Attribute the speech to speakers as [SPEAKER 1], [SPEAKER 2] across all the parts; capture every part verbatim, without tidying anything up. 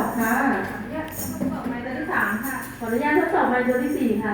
[SPEAKER 1] ค่ะขออนุญาตทดสอบไมค์ตัวที่สามค่ะขออนุญาตทดสอบไมค์ตัวที่สี่ค่ะ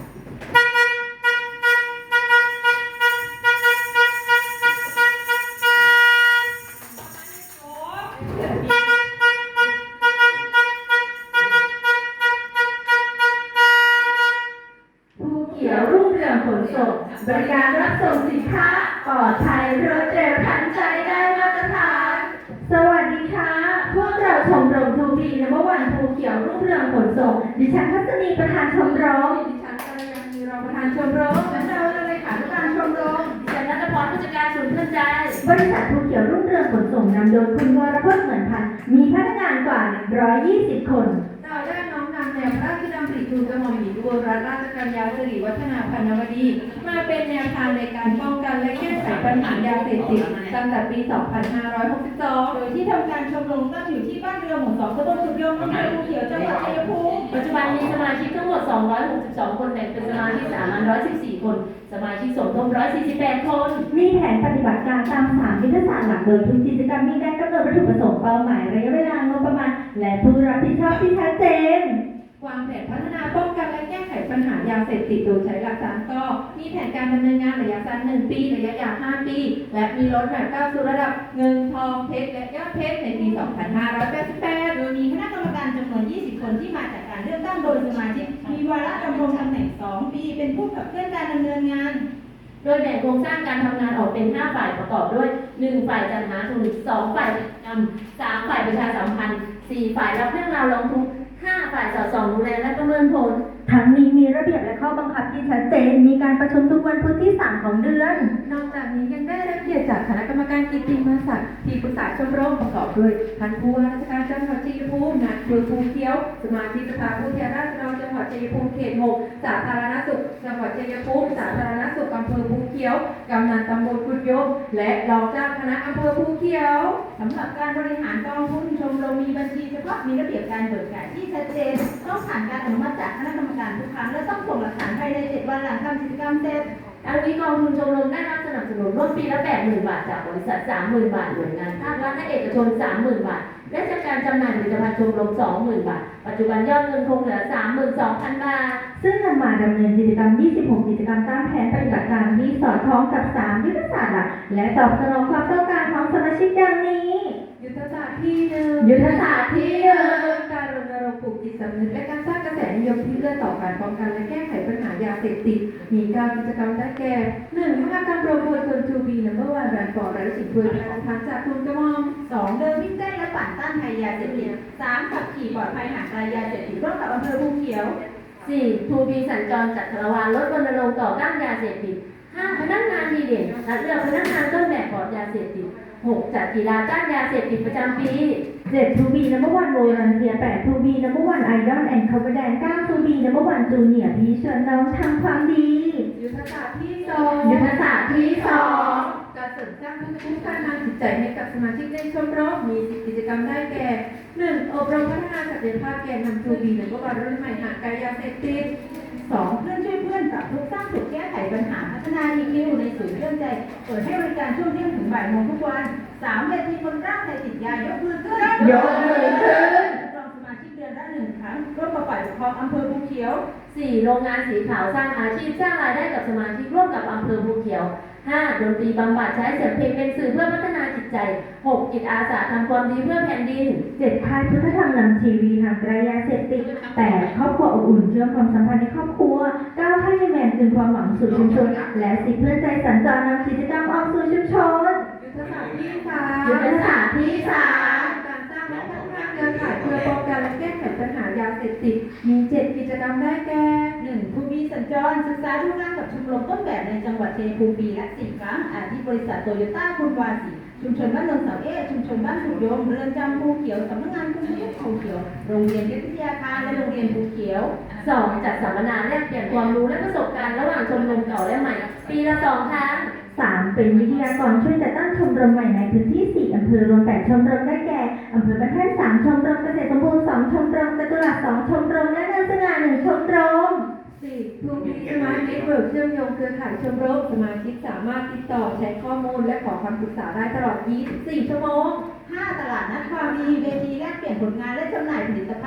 [SPEAKER 1] ภูเขียวรุ่งเรืองขนส่งบริการรับส่งสินค้าปลอดภัยรวดเร็วทันใจได้มาตรฐานสวัสดีค่ะพวกเราชมรมทูบีนัมเบอร์วันภูเขียวรุ่งเรืองขนส่งดิฉันทัศนีประธานชมรมดิฉันกัลยาณีรองประธานชมรมและเราเลขาธิการชมรมดิฉันนัทพรผู้จัดการศูนย์เพื่อนใจบริษัทภูเขียวรุ่งเรืองขนส่งนำโดยคุณวรพจน์เหมือนพันธ์มีพนักงานกว่าหนึ่งร้อยยี่สิบคนเราได้น้อมนำแนวพระราชดำริทูลกระหม่อมหญิงอุบลรัตนราชกัญญาสิริวัฒนาพันนวดีมาเป็นแนวทางในการป้องกันและแก้ไขปัญหายาเสพติดตั้งแต่ปี สองพันห้าร้อยหกสิบสอง โดยที่ทำการชมรมตั้งอยู่ที่บ้านเรือหมู่สองตำบลสุขยมอำเภอภูเขียวจังหวัดชัยภูมิปัจจุบันมีสมาชิกทั้งหมดสองร้อยหกสิบสองคนแบ่งเป็นสมาชิกสามัญหนึ่งร้อยสิบสี่คนสมาชิกสมทบหนึ่งร้อยสี่สิบแปดคนมีแผนปฏิบัติการตามสามยุทธศาสตร์หลักโดยทุกกิจกรรมมีการกำหนดวัตถุประสงค์เป้าหมายระยะเวลางบประมาณและผู้รับผิดชอบที่ชัดเจนวางแผนพัฒนาป้องกันและแก้ไขปัญหายาเสพติดโดยใช้หลักสามกมีแผนการดำเนินงานระยะสั้นหนึ่งปีระยะยาวห้าปีและมีรถแมพก้าวสู่ระดับเงินทองเพชรและยอดเพชรในปี สองพันห้าร้อยแปดสิบแปด โดยมีคณะกรรมการจำนวน ยี่สิบ คนที่มาจากการเลือกตั้งโดยสมาชิกมีวาระดำรงตำแหน่ง สอง ปีเป็นผู้ขับเคลื่อนการดำเนินงานโดยแบ่งโครงสร้างการทำงานออกเป็นห้าฝ่ายประกอบด้วยหนึ่งฝ่ายจัดหาทุนสองฝ่ายกิจกรรมสามฝ่ายประชาสัมพันธ์สี่ฝ่ายรับเรื่องราวร้องทุกข์ห้าฝ่ายสอดส่องดูแลและประเมินผลทั้งนี้มีระเบียบและข้อบังคับที่ชัดเจนมีการประชุมทุกวันพุธที่สามของเดือนนอกจากนี้ยังได้รับเกียรติจากคณะกรรมการกิตติมศักดิ์ที่ปรึกษาชมรมประกอบด้วยท่านผู้ว่าราชการจังหวัดชัยภูมินายอำเภอภูเขียวสมาชิกสภาผู้แทนราษฎรจังหวัดชัยภูมิเขตหกสาธารณสุขจังหวัดชัยภูมิสาธารณสุขอำเภอภูเขียวกำนันตำบลกุดยมและรองเจ้าคณะอำเภอภูเขียวสำหรับการบริหารกองทุนชมรมมีบัญชีเฉพาะมีระเบียบการเบิกจ่ายที่ชัดเจนต้องผ่านการอนุมัติจากคณะกรรมการทุกครั้งและต้องส่งหลักฐานภายในเจ็ดวันหลังทำกิจกรรมเสร็จทั้งนี้กองทุนชมรมได้รับสนับสนุนร่วมปีละ แปดหมื่น บาทจากบริษัท สามหมื่น บาทหน่วยงานภาครัฐและเอกชน สามหมื่น บาทและจากการจำหน่ายผลิตภัณฑ์ชมรม สองหมื่น บาทปัจจุบันยอดเงินคงเหลือ สามหมื่นสองพัน บาทซึ่งนำมาดำเนินกิจกรรม ยี่สิบหก กิจกรรมตามแผนปฏิบัติการที่สอดคล้องกับสามยุทธศาสตร์หลักและตอบสนองความต้องการของสมาชิกดังนี้ยุทธศาสตร์ที่หนึ่งยุทธศาสตร์ที่หนึ่งการรณรงค์ปลูกจิตสำนึกและการสร้างกระแสนิยมที่เอื้อต่อการป้องกันและแก้ไขปัญหายาเสพติดมีการกิจกรรมได้แก่หนึ่งมหกรรมโปรโมทคนทูบีนัมเบอร์วันแบรนด์ฟอร์ไรสิ่งช่วยประทานจากทุนกระหม่อมสองเดินวิ่งเต้นและปั่นต้านภัยยาเสพติดสามขับขี่ปลอดภัยห่างไกลยาเสพติดร่วมกับอำเภอภูเขียวสี่ทูบีสัญจรจัดคาราวานลดรณรงค์ต่อต้านยาเสพติดห้าพนักงานดีเด่นคัดเลือกพนักงานต้นแบบปลอดยาเสพติดหกจัดกีฬาต้านยาเสพติดประจำปีเจ็ดทูบีนัมเบอร์วันโวลันเทียแปดทูบีนัมเบอร์วันไอดอลแอนด์คอมเบแดนเก้าทูบีนัมเบอร์วันจูเนียร์พี่ชวนน้องทำความดียุทธศาสตร์ที่สองยุทธศาสตร์ที่สองการเสริมสร้างภูมิคุ้มกันทางจิตใจให้กับสมาชิกในชมรมมีกิจกรรมได้แก่หนึ่งอบรมพัฒนาศักยภาพแกนนำทูบีนัมเบอร์วันรุ่นใหม่ห่างไกลยาเสพติดสองเพื่อนช่วยเพื่อนปรับทุกข์สร้างสุขแก้ไขปัญหาพัฒนา อี คิว ในศูนย์เรื่องใจเปิดให้บริการช่วงเที่ยงถึงบ่ายโมงทุกวันสามเวทีคนร่างใจติดยายกมือขึ้นยกมือขึ้นรองสมาชิกเดือนละหนึ่งครั้งร่วมกับฝ่ายปกครองอำเภอภูเขียวสี่โรงงานสีขาวสร้างอาชีพสร้างรายได้กับสมาชิกร่วมกับอำเภอภูเขียวห้าดนตรีบำบัดใช้เสียงเพลงเป็นสื่อเพื่อพัฒนาจิตใจหกจิตอาสาทำความดีเพื่อแผ่นดินเจ็ดค่ายพุทธธรรมนำทีวีห่างไกลยาเสพติดแปดครอบครัวอบอุ่นเชื่อมความสัมพันธ์ในครอบครัวเก้าค่ายแมนคืนความหวังสู่ชุมชนและสิบเพื่อนใจสัญจรนำกิจกรรมออกสู่ชุมชนยุทธศาสตร์ที่สามยุทธศาสตร์ที่สามการสร้างและพัฒนาเครือข่ายเพื่อป้องกันและแก้ไขปัญหายาเสพติดมีเจ็ดกิจกรรมได้แก่หนึ่งทูบีสัญจรศึกษาดูงานกับชมรมต้นแบบในจังหวัดชัยภูมิปีละสี่ครั้งอาทิบริษัทโตโยต้าคุณวาสีชุมชนบ้านเมืองเสาเอชุมชนบ้านสุขโยมเรือนจำภูเขียวสำนักงานคุณผู้ภูเขียวโรงเรียนวิทยาคารและโรงเรียนภูเขียวสองจัดสัมมนาแลกเปลี่ยนความรู้และประสบการณ์ระหว่างชมรมเก่าและใหม่ปีละสองครั้งสามเป็นวิทยากรช่วยจัดตั้งชมรมใหม่ในพื้นที่สี่อำเภอรวมแปดชมรมได้แก่อำเภอบ้านแท่นสามชมรมเกษตรสมบูรณ์สองชมรมจตุรัสสองชมรมและเนินสง่าหนึ่งชมรมสี่ทูบีสมาร์ทเน็ตเวิร์กเชื่อมโยงเครือข่ายชมรมสมาชิกสามารถติดต่อแชร์ข้อมูลและขอคำปรึกษาได้ตลอดยี่สิบสี่ชั่วโมงห้าตลาดนัดความดีเวทีแลกเปลี่ยนผลงานและจำหน่ายผ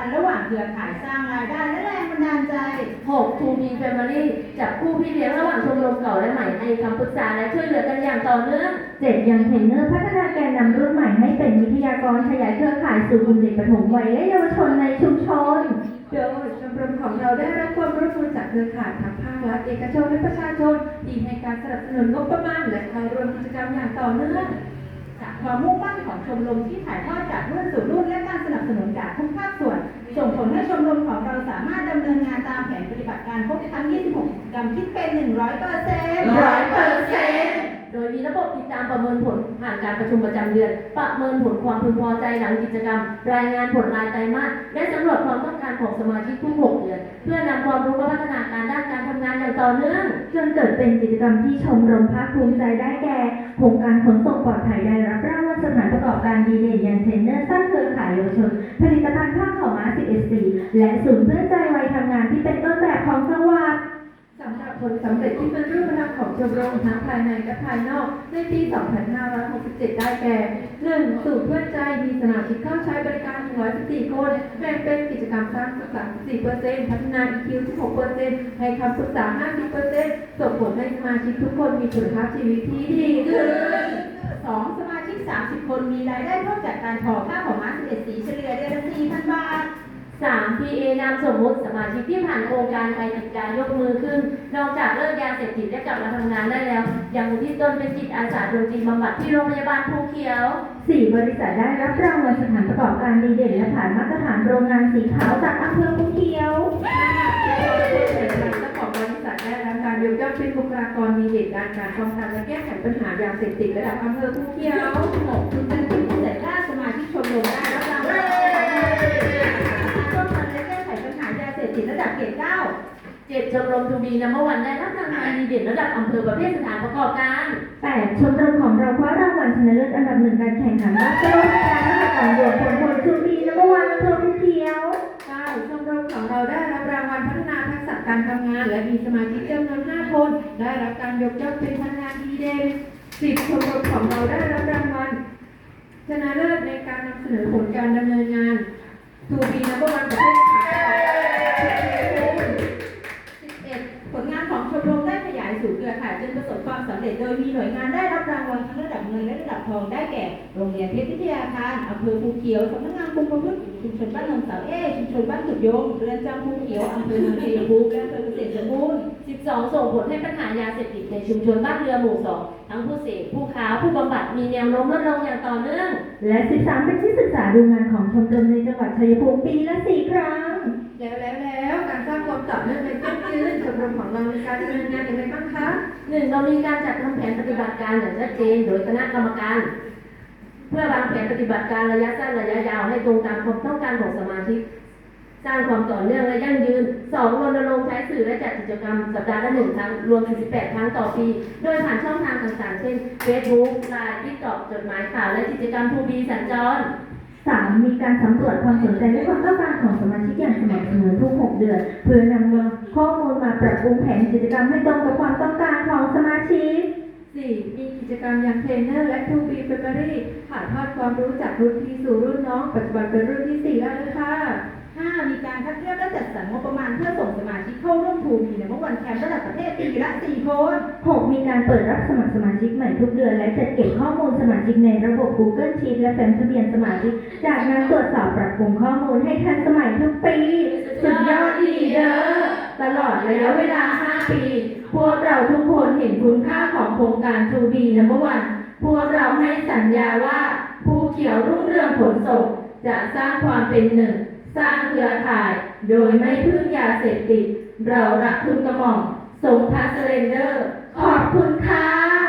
[SPEAKER 2] นธ์ระหว่างเครือข่ายสร้างรายได้และแรงบันดาลใจ
[SPEAKER 1] หก ทู บี Family จับคู่พี่เลี้ยงระหว่างชมรมเก่าและใหม่ให้คำปรึกษาและช่วยเหลือกันอย่างต่อเนื่อง
[SPEAKER 3] เจ็ดยังเทรนเนอร์พัฒนาแกนนำรุ่นใหม่ให้เป็นวิทยากรขยายเครือข่ายสู่กลุ่มเด็กปฐมวัยและเยาวชนในชุมชน
[SPEAKER 1] โดยชมรมของเราได้รับความร่วมมือจากเครือข่ายทั้งภาครัฐเอกชนและประชาชนที่ให้การสนับสนุนงบประมาณและเข้าร่วมกิจกรรมอย่างต่อเนื่อง
[SPEAKER 2] จากความมุ่งมั่นของชมรมที่ถ่ายทอดจากรุ่นสู่รุ่นและการสนับสนุนจากทุกภาคส่วน ส่งผลให้ชมรมของเราสามารถดำเนินงานตามแผนปฏิบัติการครบทั้ง ยี่สิบหก กิจกรรมคิดเป็น หนึ่งร้อยเปอร์เซ็นต์
[SPEAKER 1] ร้อยเปอร์เซ็นต์โดยมีระบบติดตามประเมินผลผ่านการประชุมประจำเดือน ประเมินผลความพึงพอใจหลังกิจกรรม รายงานผลรายไตรมาสและสำรวจความต้องการของสมาชิกทุกหกเดือน เพื่อนำความรู้มาพัฒนาการด้านการทำงานอย่างต่อเนื่อง
[SPEAKER 3] จนเกิดเป็นกิจกรรมที่ชมรมภาคภูมิใจได้แก่โครงการขนส่งปลอดภัยได้รับรางวัลสถานประกอบการดีเด่นยังเทรนเนอร์สร้างเครือข่ายเยาวชนผลิตภัณฑ์ผ้าขาวม้า สิบเอ็ด สีและศูนย์เพื่อนใจวัยทำงานที่เป็นต้นแบบของจังหวัด
[SPEAKER 1] สำหรับผลสำเร็จที่เป็นรูปธรรมของชมรมทั้งภายในและภายนอกในปี สองพันห้าร้อยหกสิบเจ็ด ได้แก่ หนึ่ง สูตรเพื่อนใจมีสมาชิกเข้าใช้บริการหนึ่งร้อยสิบสี่คนแบ่งเป็นกิจกรรมสร้างสรรค์ สี่เปอร์เซ็นต์ พัฒนา อี คิว สิบหกเปอร์เซ็นต์ ให้คำปรึกษา ห้าสิบเปอร์เซ็นต์ ส่งผลให้สมาชิกทุกคนมีคุณภาพชีวิตที่ดีขึ้น
[SPEAKER 2] สอง สมาชิก สามสิบ คนมีรายได้เพิ่มจากการทอผ้าขาวม้า สิบเอ็ด สีเฉลี่ยเดือนละ สี่พัน บาท
[SPEAKER 1] สาม พี เอ นามสมมุติสมาชิกที่ผ่านโครงการไทยติดการยกมือขึ้น นอกจากเลิกยาเสพติดและกลับมาทำงานได้แล้ว ยังอุทิศตนเป็นจิตอาสาดนตรีบำบัดที่โรงพยาบาลภูเขียว
[SPEAKER 3] สี่ บริษัทได้รับรางวัลสถานประกอบการดีเด่นและผ่านมาตรฐานโรงงานสีขาวจากอำเภอภูเขียว
[SPEAKER 1] ห้า เจ้าของบริษัทได้รับการยกย่องเป็นบุคลากรดีเด่นด้านการป้องกันและแก้ไขปัญหายาเสพติดระดับอำเภอภูเขียว
[SPEAKER 2] หก คุณเป็นผู้พิเศษด้านสมาชิกชมรมได้รับรางวัลร่วมกันและแก้ไขปัญหายาเสพติดระดับเกรดเก้า
[SPEAKER 1] เจ็ด ชมรมทูบีนัมเบอร์วันได้รับรางวัลดีเด่นระดับอำเภอประเภทสถานประกอบการ
[SPEAKER 3] แปด ชมรมของเราคว้ารางวัลชนะเลิศอันดับหนึ่งการแข่งขันวัดโลกการนวัตกรรมรวมผลผลชูบีนัมเบอร์วันอำเภอภูเขียว
[SPEAKER 1] เก้า ชมรมของเราได้รับรางวัลพัฒนาทักษะการทำงาน และมีสมาชิกจำนวน ห้า คน ได้รับการยกย่องเป็นพนักงานดีเด่น สิบ ชมรมของเราได้รับรางวัลชนะเลิศในการนำเสนอผลการดำเนินงานทูบีนัมเบอร์วันประเภทสถานประกอบการ
[SPEAKER 2] สิบเอ็ด ผลงานของชมรมได้ขยายสู่เครือข่ายจนประสบความสำเร็จโดยมีหน่วยงานได้รับรางวัลทั้งระดับเงินและระดับทองได้แก่ โรงเรียนเพชรวิทยาคารอำเภอภูเขียวสำนักงานคุมประพฤติชุมชนบ้านหนองสาวเอชุมชนบ้านขุดโยงเรือนจำภูเขียวอำเภอเมืองชัยภูมิและอำเภอเกษตรสมบูรณ์
[SPEAKER 1] สิบสอง ส่งผลให้ปัญหายาเสพติดในชุมชนบ้านเรือหมู่สองทั้งผู้เสพผู้ค้าผู้บำบัดมีแนวโน้มลดลงอย่างต่อเนื่อง
[SPEAKER 3] และ สิบสาม เป็นที่ศึกษาดูงานของชมรมในจังหวัดชัยภูมิปีละ สี่ ครั้ง
[SPEAKER 1] แล้วแล้วแล้วการสร้างความต่อเนื่องในยั่งยืนชมรมของเรามีการดำเนินงานอย่างไรบ้างคะหนึ่งเรามีการจัดทำแผนปฏิบัติการอย่างชัดเจนโดยคณะกรรมการ เพื่อวางแผนปฏิบัติการระยะสั้นระยะยาวให้ตรงตามความต้องการของสมาชิก สร้างความต่อเนื่องและยั่งยืน สอง รณรงค์ใช้สื่อและจัดกิจกรรมสัปดาห์ละหนึ่งครั้งรวมถึงสิบแปดครั้งต่อปี โดยผ่านช่องทางต่างๆ เช่น Facebook ไลน์ TikTok จดหมายข่าวและกิจกรรมทูบีสัญจร
[SPEAKER 3] สาม มีการสำรวจความสนใจและความต้องการของสมาชิกอย่างสม่ำเสมอทุก หก เดือน เพื่อนำข้อมูลมาปรับปรุงแผนกิจกรรมให้ตรงกับความต้องการของสมาชิก
[SPEAKER 1] สี่ มีกิจกรรมอย่างเทรนเนอร์และทูบีเฟเบอรี่ถ่ายทอดความรู้จากรุ่นพี่สู่รุ่นน้อง ปัจจุบันเป็นรุ่นที่สี่แล้วเลยค่ะ
[SPEAKER 2] ห้า มีการคัดเลือกและจัดสรรงบประมาณเพื่อส่งสมาชิกเข้าร่วมทูบีในเมื่อวันแคมป์ระดับประเทศปีละ สี่ คน
[SPEAKER 3] หก มีการเปิดรับสมัครสมาชิกใหม่ทุกเดือนและจัดเก็บข้อมูลสมาชิกในระบบ Google Sheet และแฟ้มทะเบียนสมาชิก จากนั้นตรวจสอบปรับปรุงข้อมูลให้ทันสมัยทุกปี สุดยอดดีเด้อตลอดระยะเวลา ห้า ปี พวกเราทุกคนเห็นคุณค่าของโครงการ ทู บี นัมเบอร์ วัน พวกเราให้สัญญาว่าภูเขียวรุ่งเรืองขนส่งจะสร้างความเป็นหนึ่ง สร้างเครือข่าย โดยไม่พึ่งยาเสพติด เรารักคุณกระหม่อมทรงพระเซเรนเดอร์ ขอบคุณค่ะ